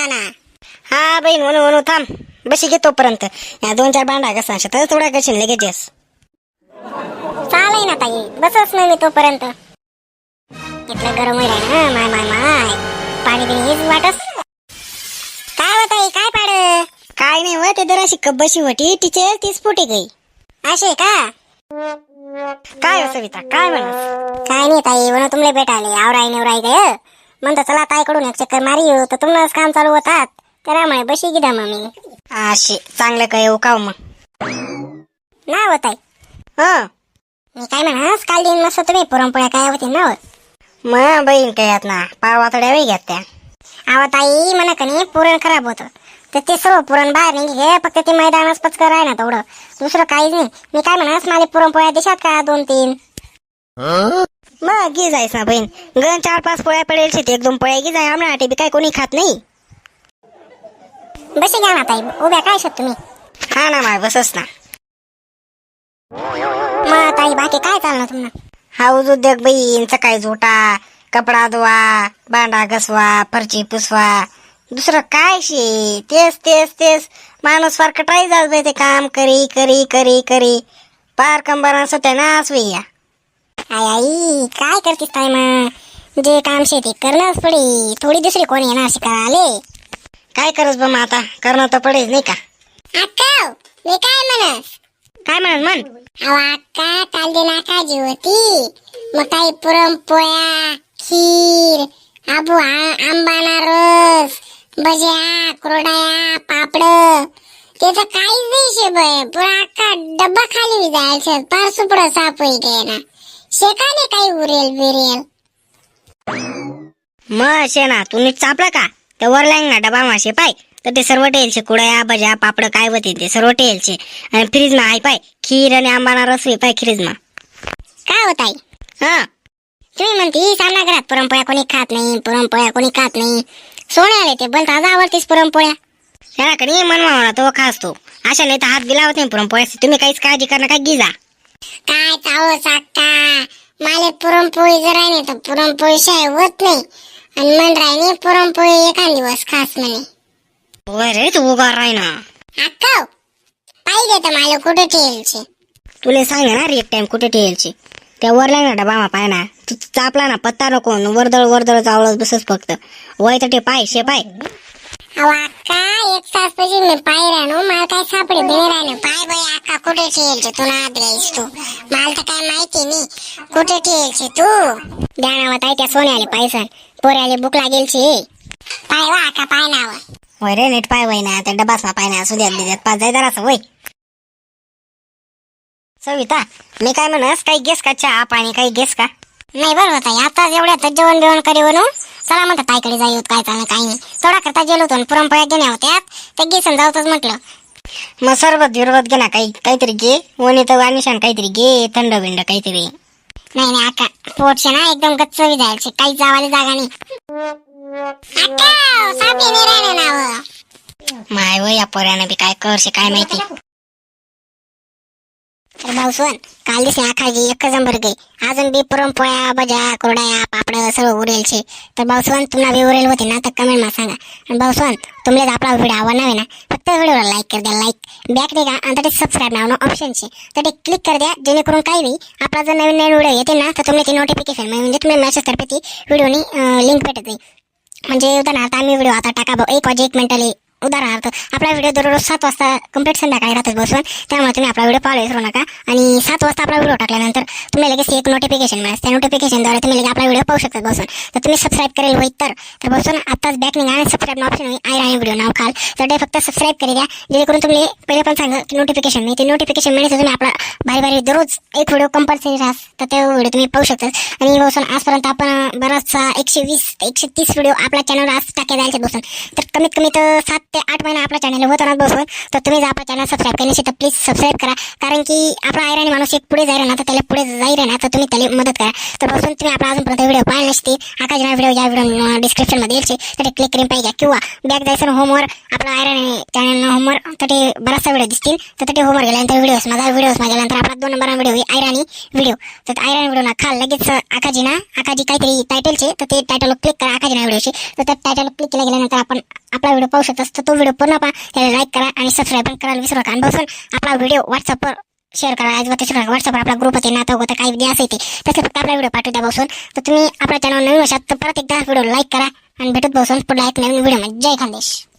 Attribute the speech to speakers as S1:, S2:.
S1: ना.
S2: हा बहीण म्हणू थांब बशी घे तोपर्यंत या 2-4 बांडा कसा तर थोडा करशील लगेच.
S1: चालेल ना ताई, बसच नाही मी तोपर्यंत. इतलं गरम होईल ना. माय माय माय पाणी बिणी हेच वाटस. काय होत आहे, काय पाड?
S2: काय नाही व ते जराशी कब्बशी होती तिचे तीच फुटी गई.
S1: असे का?
S2: काय हो सविता काय म्हणत?
S1: काय नाही ताई, म्हणून तुमले भेटायले आवराय निवराय गय म्हणतो चला ताईकडून एक चक्कर मारी येऊ, तर तुमनंच काम चालू होतात त्यामुळे बशी गिदा मग मी.
S2: अशी चांगलं काय येऊ का मग
S1: ना होत आहे.
S2: हं
S1: मी काय म्हणस, काल दिन मस्त तुम्ही पुरणपोळ्या काय होती ना.
S2: मग बहीण काय यात ना पारवा थोड्या वेळ घेत त्या.
S1: अहो ताई म्हणा कणी पुरण खराब होतं तर ते सर्व पुरण बाहेर नाही घे, फक्त ते मैदानाच पचकर आहे ना तेवढं, दुसरं काहीच नाही. मी काय म्हणस, मला पुरणपोळ्या देशात का 2-3?
S2: मग घे जायस ना बहीण, गण 4-5 पोळ्या पडेल शेती 1-2 पोळ्या घे जाय. आमना बी काय कोणी खात नाही.
S1: बशी घ्या ना ताई, उभ्या काय शकत तुम्ही.
S2: हा ना माय बसस ना.
S1: मग ताई बाकी काय चालणार तुम्हाला?
S2: हाऊस उद्योग बहीण, सकाळी झोटा, कपडा धुवा, भांडा घसवा, फरची पुसवा, दुसरं काय शे तेच तेच तेच. माणूस फार कटाई जात ते काम करी करी करी करी पार कंबरा सत्यानाश वैया.
S1: आई आई काय करतेस ताई, मग जे काम शेती करणंच पडी, थोडी दुसरी कोणी येणार शिकायला.
S2: काय करस बा मग आता करणं तर पडेल नाही का.
S1: अक्का मी काय म्हणस,
S2: काय म्हणत म्हण.
S1: अहो अक्का काल दिन आकाजी होती, मग काही पुरणपोळ्या, खीर, आंबाना रस, भज्या, कुरड्या, पापड, त्याचं काहीच नाही शे बाय. पुरा अख्खा डब्बा खाली जायचं, पार सुपडं साप होई ना. शेकाने काही उरेल बिरेल.
S2: मग शे ना तू नीट चापला का त्या वर लाईन ना डबा मासे पाय तर ते सर्व टेलचे कुड्या भज्या पापड काय होते ते सर्व टेलचे. आणि फ्रीज मा आहे पाय खीर आणि आंबाना रस पाय फ्रीज मा.
S1: काय होत आई?
S2: हा
S1: तुम्ही म्हणती सामना घरात पुरणपोळ्या कोणी खात नाही, पुरणपोळ्या कोणी खात नाही. सोने आले ते बोलता आज आवडतीस पुरणपोळ्या.
S2: त्याला कधी मनवा तो खास तो अशा नाही तर हात गिलावत नाही पुरणपोळ्या. तुम्ही काहीच काळजी करणं काय गिजा.
S1: काय चावो साका माले पुरणपोळी जर आहे तर पुरणपोळी शाय होत नाही, आणि मन राहिने पुरणपोळी एखाद दिवस खास म्हणे.
S2: रे तू उगा राही ना.
S1: अक्का पाहिजे तर मला कुठे ठेवायचे.
S2: तुला सांग ना एक टाइम कुठे ठेवायची त्या वर लाईन ना डबा मा पाय ना. तू चापला ना पत्ता नको वर्दळ चावळत बसच फक्त वय तर ते पाय शे पाय.
S1: अहो अक्का 1 तास पाहिजे मी पाय राहणो, मला काय सापडे बिने राहणं. पाय बाई अक्का कुठे ठेवायचे तू, ना द्यायस तू, मला तर काय माहिती नाही कुठे ठेवायचे तू. ध्यानावत आहे त्या सोन्याले पैसा पोऱ्याले भूक लागेलची. पाय वा अक्का पाय नाव.
S2: वय रे नीट पाय वय ना त्या डबास मा पाय ना सुद्यात बिद्यात पाच जाय जरासं वय. सविता मी काय म्हणस काही गेस का चहा पाणी काही गेस का.
S1: नाही बरं होता आता एवढ्यात जेवण बिवण करे बनू. चला म्हणतात ताईकडे जाई काय चाललं काही नाही. थोडा करता गेलो होतो पुरणपोळ्या घेण्या होत्या ते घेसन जाऊतच म्हटलं.
S2: मग सरबत बिरबत घे ना काहीतरी घे. वणी तर वानिशान काहीतरी घे थंड बिंड काहीतरी.
S1: नाही नाही अक्का पोटचे ना एकदम गच्च जायचे, काही जावायला जागा नाही. अक्का सापी नाही राहिलं नाव.
S2: माय वय या पोऱ्यानं बी काय करशे काय माहिती.
S1: तर भाऊसवन काल दिसले आखाजी एक जंबर गई, अजून बी पुरणपोळ्या भज्या कुरड्या पापड सर्व उरेलचे. तर भाऊसवन तुम्हाला बी उरेल होते ना तर कमेंट मा सांगा. आणि भाऊसवन तुम्हाला आपला व्हिडिओ आवडणार ना फक्त व्हिडिओला लाईक कर द्या, लाईक बॅक दे का आणि ते सबस्क्राईब नाव ऑप्शन छे तर ते क्लिक कर द्या, जेणेकरून काही बी आपला जर नवीन व्हिडिओ येते ना तर तुम्हाला ती नोटिफिकेशन म्हणजे तुम्ही मेसेज तर्फे ती व्हिडिओनी लिंक भेटत नाही. म्हणजे उदाहरणार्थ आम्ही व्हिडिओ आता टाका 1 वाजे 1 मिनिटाले उदाहरणार्थ आपला व्हिडिओ दररोज 7 वाजता कंप्लीट संध्याकाळी राहतच बसून, त्यामुळे तुम्ही आपला व्हिडिओ पाहायला विसरू नका. आणि 7 वाजता आपला व्हिडिओ टाकल्यानंतर तुम्ही लगेच एक नोटिफिकेशन मिळेल, त्या नोटिफिकेशनद्वारे तुम्ही लगेच आपला व्हिडिओ पाहू शकता बसून. तर तुम्ही सबस्क्राईब करेल होईल तर बसून आताच बॅक निघा आणि सबस्क्राईब ऑप्शन आहे राहील व्हिडिओ नाव खाल तर ते फक्त सबस्क्राईब करी द्या, जेणेकरून तुम्ही पहिले पण सांगा की नोटिफिकेशन नाही ते नोटिफिकेशन मिळेल तुम्ही आपला भारी दररोज एक व्हिडिओ कंपल्सरी राहस तर ते व्हिडिओ तुम्ही पाहू शकता. आणि बसून आजपर्यंत आपण बराचसा 120 ते 130 व्हिडिओ आपल्या चॅनलवर आज टाके जायचे बसून, तर कमीत कमी तर 7 ते 8 महिना आपला चॅनल होतो ना बसून, तर तुम्ही जर आपला चॅनल सबस्क्राईब केली नसेल तर प्लीज सबस्क्राईब करा. कारण की आपला ऐराणी माणूस एक पुढे जाईल ना, तर त्याला पुढे जाईल ना, तर तुम्ही त्याला मदत करा. तर बसून तुम्ही आपला अजूनपर्यंत व्हिडिओ पाहिला नसते, आकाशना व्हिडिओ या व्हिडिओ डिस्क्रिप्शन मध्ये येईल, तर ते क्लिक करून पाहिजे. किंवा बॅक जायचं होमवर आपला ऐराणी चॅनल होमवर, तर ते बराचसा व्हिडिओ दिसतील. तर ते होमवर गेल्यानंतर व्हिडिओज गेल्यानंतर आपला 2 नंबर व्हिडिओ ऐराणी व्हिडिओ. तर ऐराणी व्हिडिओ ना खाल लगेच आकाजी काहीतरी टायटलचे, तर ते टायटल क्लिक करा आकाजी व्हिडिओचे. तर त्या टायटल क्लिक केल्या गेल्यानंतर आपण आपला व्हिडिओ पाहू शकतो. तर तो व्हिडिओ पूर्ण पहा, त्याला लाईक करा आणि सबस्क्राईब पण करायला विसरू नका. आणि बसून आपला व्हिडिओ व्हॉट्सअपवर शेअर करा. व्हॉट्सअपवर आपला ग्रुप होते, नातं होतं, काही द्या असेल ते त्याचं फक्त आपला व्हिडिओ पाठवू द्या बसून. तर तुम्ही आपल्या चॅनल नवीन असाल तर परत एकदा व्हिडिओ लाईक करा आणि भेटत बसून पुढला एक नवीन व्हिडिओ. जय खानदेश.